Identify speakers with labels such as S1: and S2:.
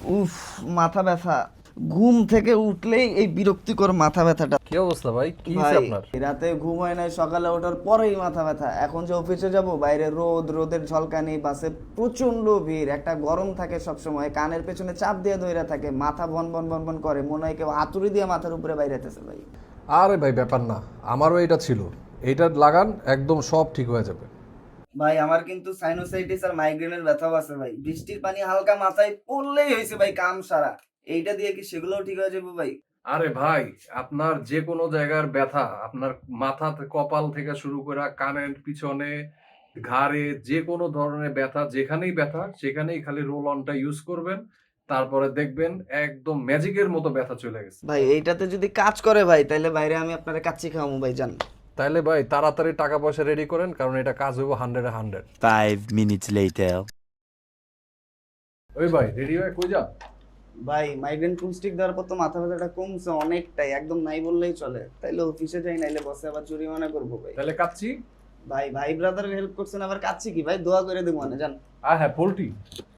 S1: উফ, মাথা ব্যথা। ঘুম থেকে উঠলেই এই বিরক্তিকর মাথা ব্যথাটা।
S2: কি অবস্থা ভাই, কি
S1: ভাই
S2: হয়েছে আপনার?
S1: রাতে ঘুম হয় নাই, সকালে ওঠার পরেই মাথা ব্যথা। এখন যে অফিসে যাব, বাইরে রোদের ঝলকানি, বাসে প্রচন্ড ভিড়, একটা গরম থাকে সব সময়, কানের পেছনে চাপ দিয়ে ধইরা থাকে, মাথা ভন ভন ভন ভন করে, মনে হয় কেউ হাতুড়ি দিয়ে মাথার উপরে বাইরেতেছে ভাই।
S2: আরে ভাই ব্যাপার না, আমারও এটা ছিল। এইটা লাগান, একদম সব ঠিক হয়ে যাবে।
S1: ভাই আমার কিন্তু সাইনোসাইটিস আর মাইগ্রেনের ব্যথাও আছে ভাই। বৃষ্টির পানি হালকা মাথায় পড়লেই হয়েছে ভাই কাম সারা। এইটা দিয়ে কি সেগুলোও ঠিক হয়ে যাবে ভাই?
S2: আরে ভাই, আপনার যে কোনো জায়গার ব্যথা, আপনার মাথা কপাল থেকে শুরু করে কানের পিছনে, ঘাড়ে, যে কোনো ধরনের ব্যথা, যেখানেই ব্যথা সেখানেই খালি রোল অনটা ইউজ করবেন। তারপরে দেখবেন একদম ম্যাজিকের মতো ব্যথা চলে গেছে।
S1: ভাই এইটাতে যদি কাজ করে ভাই, তাহলে বাইরে আমি আপনারা কাচ্চি খাওয়াবো ভাই, জান।
S2: তাইলে ভাই তাড়াতাড়ি টাকা পয়সা রেডি করেন, কারণ এটা কাজ হইব 100-এ 100।
S3: 5 minutes later.
S2: ওই ভাই রেডি হয়ে কই যা?
S1: ভাই মাইগ্রেন ফুল স্টিক দেওয়ার পর তো মাথা ব্যথাটা কমছে অনেকটাই, একদম নাই বললেই চলে। তাইলে অফিসে যাই, নাইলে বসে আবার জরিমানা করবো ভাই।
S2: তাহলে কাচ্চি।
S1: ভাই ভাই ব্রাদারের হেল্প করছেন, আবার কাচ্চি কি ভাই, দোয়া করে দেবো মানে, জান।
S2: হ্যাঁ, পোল্ট্রি।